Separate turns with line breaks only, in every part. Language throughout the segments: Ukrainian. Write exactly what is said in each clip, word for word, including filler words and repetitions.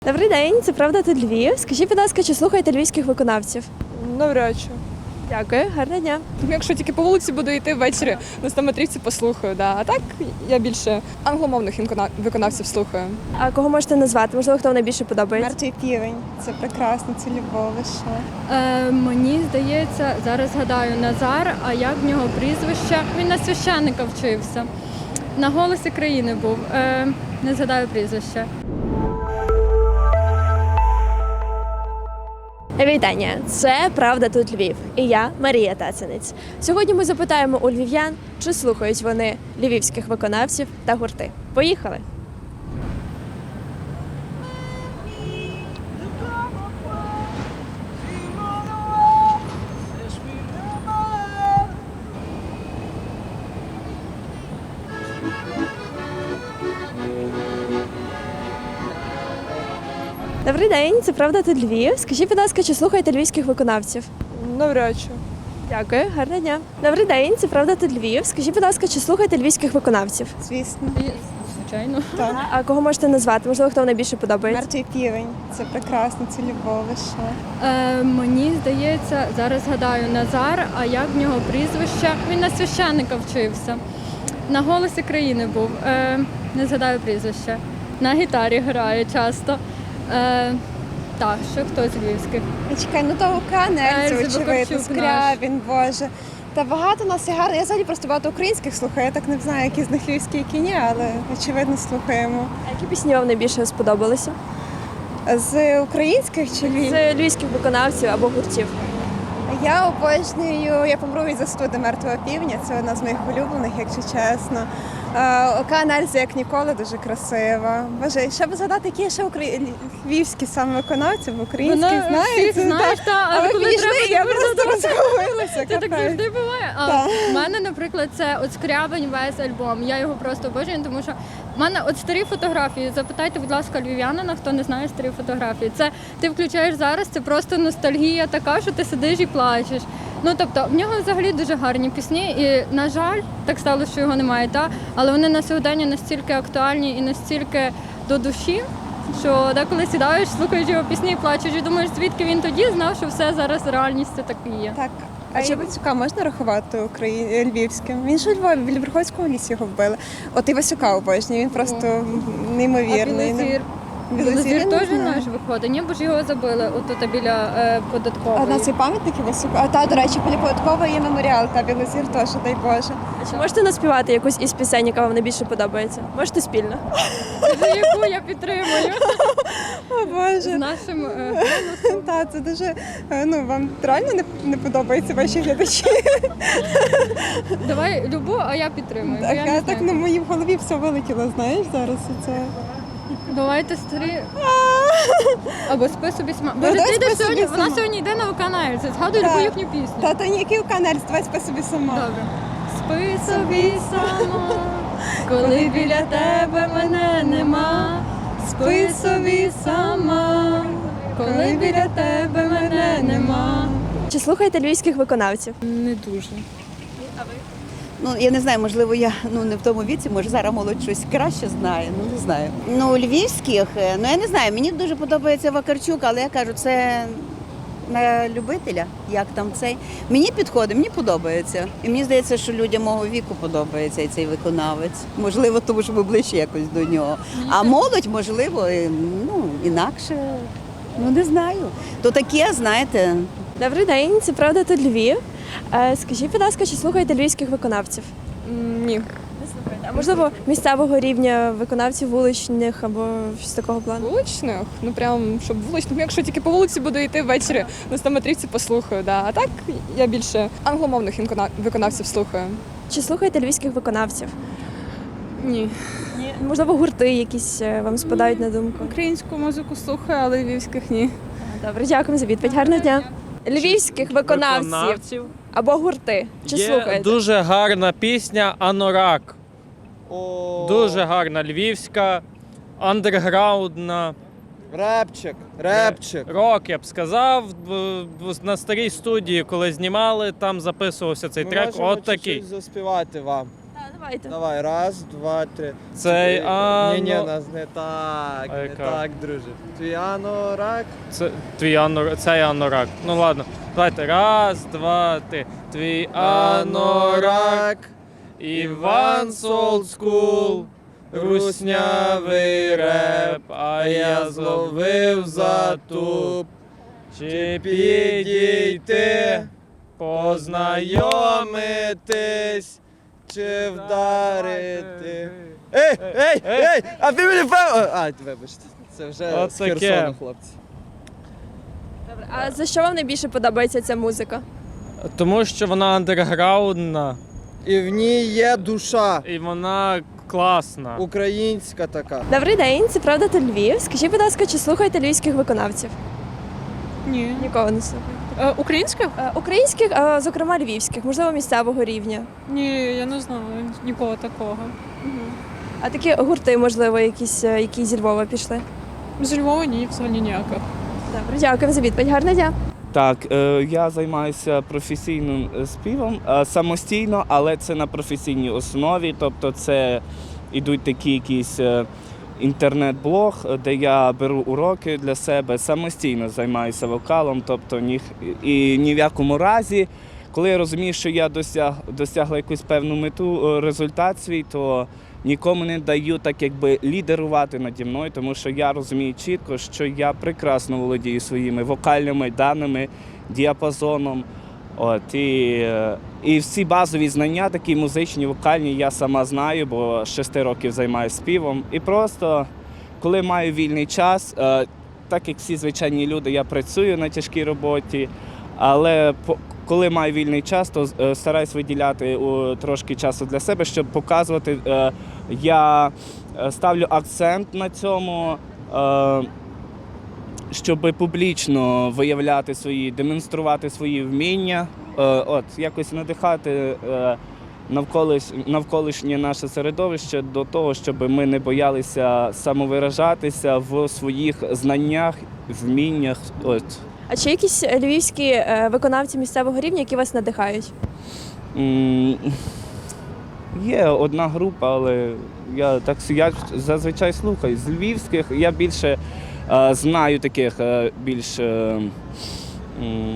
Добрий день, це правда тут Львів. Скажіть, будь ласка, чи слухаєте львівських виконавців?
Навряд чи.
Дякую, гарного дня.
Ну, якщо тільки по вулиці буду йти ввечері, на стометрівці послухаю. Да. А так я більше англомовних інкона- виконавців слухаю.
А кого можете назвати? Можливо, хто вам найбільше подобається?
Мертвий півень. Це прекрасно, це любов, ви що?
Е, мені здається, зараз згадаю Назар, а як в нього прізвище? Він на священника вчився. На голосі країни був. Е, не згадаю прізвище.
Вітання! Це правда тут Львів. І я Марія Тацинець. Сьогодні ми запитаємо у львів'ян, чи слухають вони львівських виконавців та гурти. Поїхали! Добрий день, це правда тут Львів. Скажіть, будь ласка, чи слухаєте львівських виконавців?
Навряд чи.
Дякую, гарного дня. Добрий день, це правда тут Львів. Скажіть, будь ласка, чи слухаєте львівських виконавців?
Звісно.
І, звичайно.
Так.
А кого можете назвати? Можливо, хто вам найбільше подобається?
Мертвий півень. Це прекрасно, це любов, ви що?
Е, мені здається, зараз згадаю Назар, а як в нього прізвище? Він на священика вчився. На голосі країни був. Е, не згадаю прізвище. На гітарі грає часто. Е, так, ще хто з львівських.
Я чекаю, ну то Канельцев,
Ельза
очевидно,
Вакарчук
Скрябін, Боже. Та багато нас є гарно. Я взагалі просто багато українських слухаю. Я так не знаю, які з них львівські, які ні, але очевидно слухаємо.
А які пісні вам найбільше сподобалися?
З українських чи львів?
З львівських виконавців або гуртів?
Я обожнюю «Я помру від застуди мертвого півня». Це одна з моїх улюблених, якщо чесно. Океан Ельзи, як ніколи, дуже красива. Боже, ще б згадати, які є ще украї... львівські саме виконавці, бо українські
Вона
знають.
всіх знаєш, та,
А
але
ви
коли
підійшли,
треба,
я
то
просто розгубилася.
Це так
капець.
завжди буває. А
Так.
в мене, наприклад, це от Скрябань весь альбом. Я його просто обожнюю, тому що в мене от старі фотографії. Запитайте, будь ласка, львів'янина, хто не знає старі фотографії. Це ти включаєш зараз, це просто ностальгія така, що ти сидиш і плачеш. Ну тобто в нього взагалі дуже гарні пісні, і на жаль, так сталося, що його немає, та але вони на сьогодення настільки актуальні і настільки до душі, що деколи сідаєш, слухаєш його пісні, і плачеш, і думаєш, звідки він тоді знав, що все зараз реальністю так і є.
Так. А Івасюка можна рахувати Украї... львівським? Він ж у Львові, біля Верховського лісі його вбили. От Івасюка обожнюю, він просто
А
неймовірний.
Білозір?
Білозір
Білозір
я не
теж
знаю.
наш виходить, ні, бо ж його забили отут біля е,
А
податкової.
на цей пам'ятник Івасюка? А та, до речі, біля податкової є меморіал, та Білозір теж, дай Боже.
А чи можете наспівати якусь із пісень, яка вам найбільше подобається? Можете спільно?
За яку я підтримую
О
з
Боже.
нашим е,
Та, це дуже, е, ну, вам реально не, не подобаються ваші глядачі?
давай любу, а я підтримую. бо
Так,
я
я
не
так
знаю.
на моїй в голові все вилетіло, знаєш, зараз це.
Давайте старі. Або спи собі сама. Боже,
давай
ти йдеш
«Спи собі
сьогодні, вона
сама».
сьогодні йде на Оканельці. Згадуй
Так.
любу їхню пісню.
Та, та ніякий канальць, давай спи собі сама.
Добре. Спи собі сама, коли біля тебе мене нема. Спи собі сама, коли біля тебе мене нема.
Чи слухаєте львівських виконавців?
Не дуже.
Ну, я не знаю, можливо, я ну не в тому віці, може зараз молодь щось краще знає, ну не знаю. Ну, львівських, е, ну я не знаю, мені дуже подобається Вакарчук, але я кажу, це на любителя, як там цей. Мені підходить, мені подобається. І мені здається, що людям мого віку подобається і цей виконавець. Можливо, тому що ми ближче якось до нього. А молодь, можливо, і, ну, інакше, ну не знаю. То таке, знаєте.
Добрий день, це правда тут Львів. Е, Скажіть, будь ласка, чи слухаєте львівських виконавців?
М, Ні.
Не слухаєте. А можливо, місцевого рівня виконавців вуличних або щось такого плану?
Вуличних? Ну прям, щоб вуличних. Ну, якщо тільки по вулиці буду йти ввечері, на стометрівці послухаю. Да. А так я більше англомовних інкона- виконавців слухаю.
Чи слухаєте львівських виконавців?
Ні.
Можливо, гурти якісь е, вам спадають на думку?
Українську музику слухаю, але львівських ні.
Добре, дякую за відповідь. Гарного дня. Львівських виконавців
виконавців.
або гурти. Чи
Є
слухаєте?
дуже гарна пісня «Анорак».
О,
Дуже гарна львівська, андерграундна,
Репчик, репчик.
рок, я б сказав. В- в- На старій студії, коли знімали, там записувався цей
Ми
трек.
можемо
От такий.
чуть-чуть заспівати вам.
Так, давайте. Давайте.
Давай, раз, два, три.
Цей
Ні,
ано...
ні, нас не так,
А
не
яка?
так, друже. Твій анорак.
Це твій анорак. Цей анорак. Ну ладно. Давайте. Раз, два, три. Твій анорак. Іван's Old School. Руснявий реп, а я зловив затуп. Чи підійти, познайомитись,
Чи вдарити? Ей, ей, ей! А ти мені пев... А, вибачте. Це вже
От
з
таке.
Херсону, хлопці.
Добре. А за що вам найбільше подобається ця музика?
Тому що вона андерграундна
І в ній є душа.
і вона класна.
Українська така.
Добрий день, це правда та Львів. Скажіть, будь ласка, чи слухаєте львівських виконавців?
Ні.
Нікого не слухаю.
Е, українських?
Е, Українських, а зокрема львівських, можливо, місцевого рівня.
Ні, я не знаю нікого такого.
А такі гурти, можливо, якісь, е, які зі Львова пішли.
З Львова ні, взагалі ніяких.
Добре, дякую за відповідь. Гарного дня.
Так, е, я займаюся професійним е, співом е, самостійно, але це на професійній основі. Тобто це йдуть такі якісь е, інтернет-блог, е, де я беру уроки для себе, самостійно займаюся вокалом. Тобто ні, і ні в якому разі, коли я розумію, що я досяг, досягла якусь певну мету, е, результат свій, то нікому не даю так якби лідерувати наді мною, тому що я розумію чітко, що я прекрасно володію своїми вокальними даними, діапазоном. От, і, е, і всі базові знання, такі музичні, вокальні, я сама знаю, бо з шести років займаюся співом. І просто, коли маю вільний час, е, так як всі звичайні люди, я працюю на тяжкій роботі, але по- коли маю вільний час, то е, стараюсь виділяти о, трошки часу для себе, щоб показувати. Е, я е, ставлю акцент на цьому, е, щоб публічно виявляти свої, демонструвати свої вміння, е, от, якось надихати е, навколиш, навколишнє наше середовище до того, щоб ми не боялися самовиражатися в своїх знаннях, вміннях. От.
А чи якісь львівські е, виконавці місцевого рівня, які вас надихають?
М, Є одна група, але я так я зазвичай слухаю. З львівських я більше е, знаю таких е, більш. Е, м,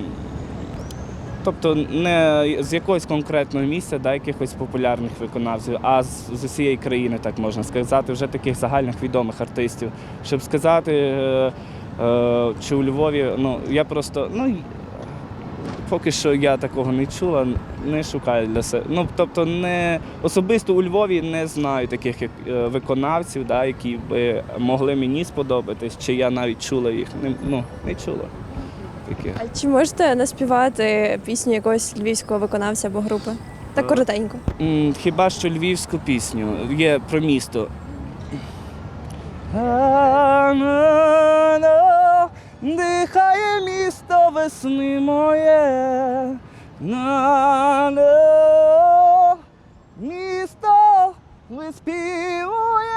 тобто не з якогось конкретного місця, да, якихось популярних виконавців, а з, з усієї країни, так можна сказати, вже таких загальних відомих артистів. Щоб сказати, е, е, чи у Львові, ну я просто. ну, Поки що я такого не чула, не шукаю для себе. Ну, тобто, не особисто у Львові не знаю таких як, е, виконавців, да, які би могли мені сподобатись, чи я навіть чула їх. Не, ну, не чула таких.
А чи можете наспівати пісню якогось львівського виконавця або групи? Так коротенько.
М, Хіба що львівську пісню є про місто. Дихає місто весни моє, на місто виспівує.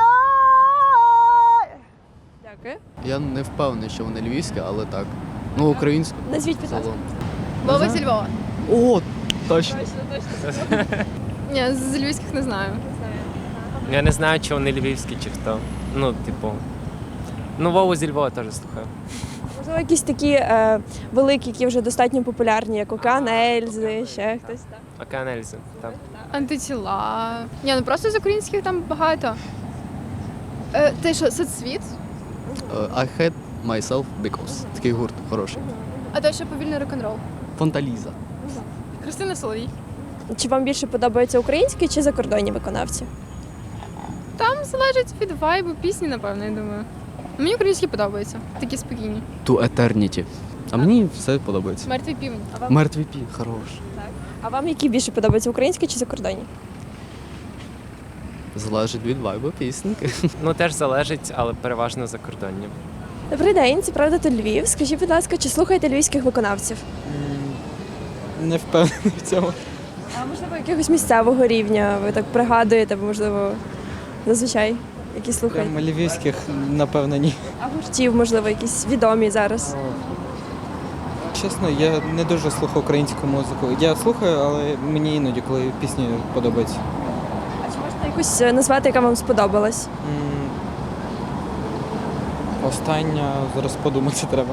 Дякую.
Я не впевнений, що вони львівські, але так. Ну, українську
Назвіть, будь ласка.
загалом.
Вова зі Львова.
О, точно.
Ні, з львівських не знаю.
Я не знаю, чи вони львівські, чи хто. Ну, типу. Ну, Вову зі Львова теж слухаю.
Можливо, якісь такі е, великі, які вже достатньо популярні, як Океан Ельзи, ще хтось там.
Океан Ельзи, так.
Антитіла. Ні, ну просто з українських там багато. Е, ти що, соцсвіт?
Е, I hate myself because. Такий гурт хороший.
А то що повільний рок-н-рол.
Фонталіза.
Христина Соловій.
Чи вам більше подобаються українські чи закордонні виконавці?
Там залежить від вайбу пісні, напевно, я думаю. Мені українські подобаються, такі спокійні.
To Eternity. А мені все подобається.
Мертвий півень.
Мертвий пі, хорош.
А вам які більше подобаються, українські чи закордонні?
Залежить від вайбу пісеньки.
Ну, теж залежить, але переважно закордонні.
Добрий день, це правда то Львів. Скажіть, будь ласка, чи слухаєте львівських виконавців?
Не впевнений в цьому.
А можливо, якогось місцевого рівня ви так пригадуєте, або можливо, зазвичай які слухаєте?
Прямо львівських, напевно, ні.
А гуртів, можливо, якісь відомі зараз.
Чесно, я не дуже слухаю українську музику. Я слухаю, але мені іноді, коли пісні подобаються.
А чи можете якусь е, назвати, яка вам сподобалась?
М, Остання, зараз подумати треба.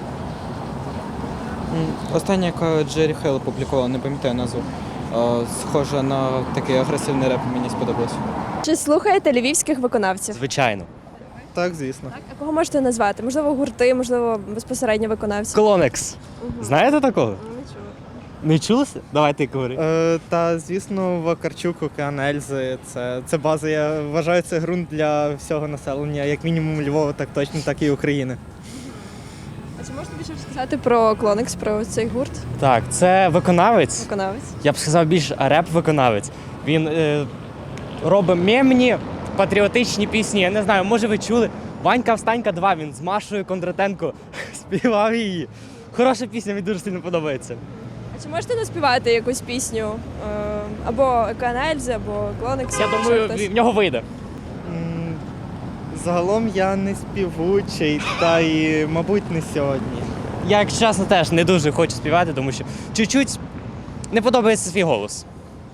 М, Остання, яка Джері Хейл опублікувала, не пам'ятаю назву. Е, Схожа на такий агресивний реп, мені сподобалось.
Чи слухаєте львівських виконавців?
Звичайно. Так, звісно.
А кого можете назвати? Можливо, гурти, можливо, безпосередньо виконавці?
Клонекс. Знаєте такого? Не чули? Давайте говори.
Е, та, звісно, Вакарчук, Океан Ельзи. Це, це база, я вважаю, це ґрунт для всього населення, як мінімум Львова, так точно, так і України.
А чи можете більше розказати про Клонекс, про цей гурт?
Так, це виконавець.
Виконавець?
Я б сказав більш реп-виконавець. Він е, робить мемні, патріотичні пісні. Я не знаю, може ви чули. Ванька Встанька два, він з Машою Кондратенко співав її. Хороша пісня, мені дуже сильно подобається.
А чи можете наспівати якусь пісню? Е, або Океан Ельзи, або Клонекс?
Я думаю, в нього вийде.
М, Загалом я не співучий, та й, мабуть, не сьогодні.
Я, якщо чесно, теж не дуже хочу співати, тому що чуть-чуть не подобається свій голос.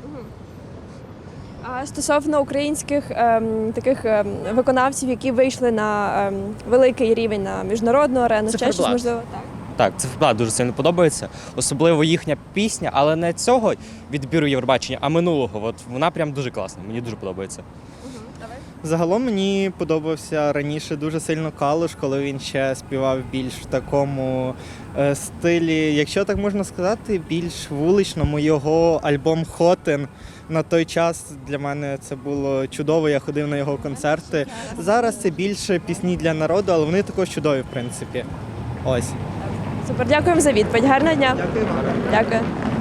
А стосовно українських ем, таких ем, виконавців, які вийшли на ем, великий рівень, на міжнародну арену, ще щось
Циферблат.
можливо? Так.
Так, циферблат дуже сильно подобається. Особливо їхня пісня, але не цього відбіру Євробачення, а минулого. От вона прям дуже класна, мені дуже подобається.
Загалом мені подобався раніше дуже сильно Калуш, коли він ще співав більш в такому е, стилі, якщо так можна сказати, більш вуличному. Його альбом Хотен на той час для мене це було чудово, я ходив на його концерти. Зараз це більше пісні для народу, але вони також чудові, в принципі. Ось.
Супер, дякуємо за відповідь. Гарного дня.
Дякую вам.
Дякую.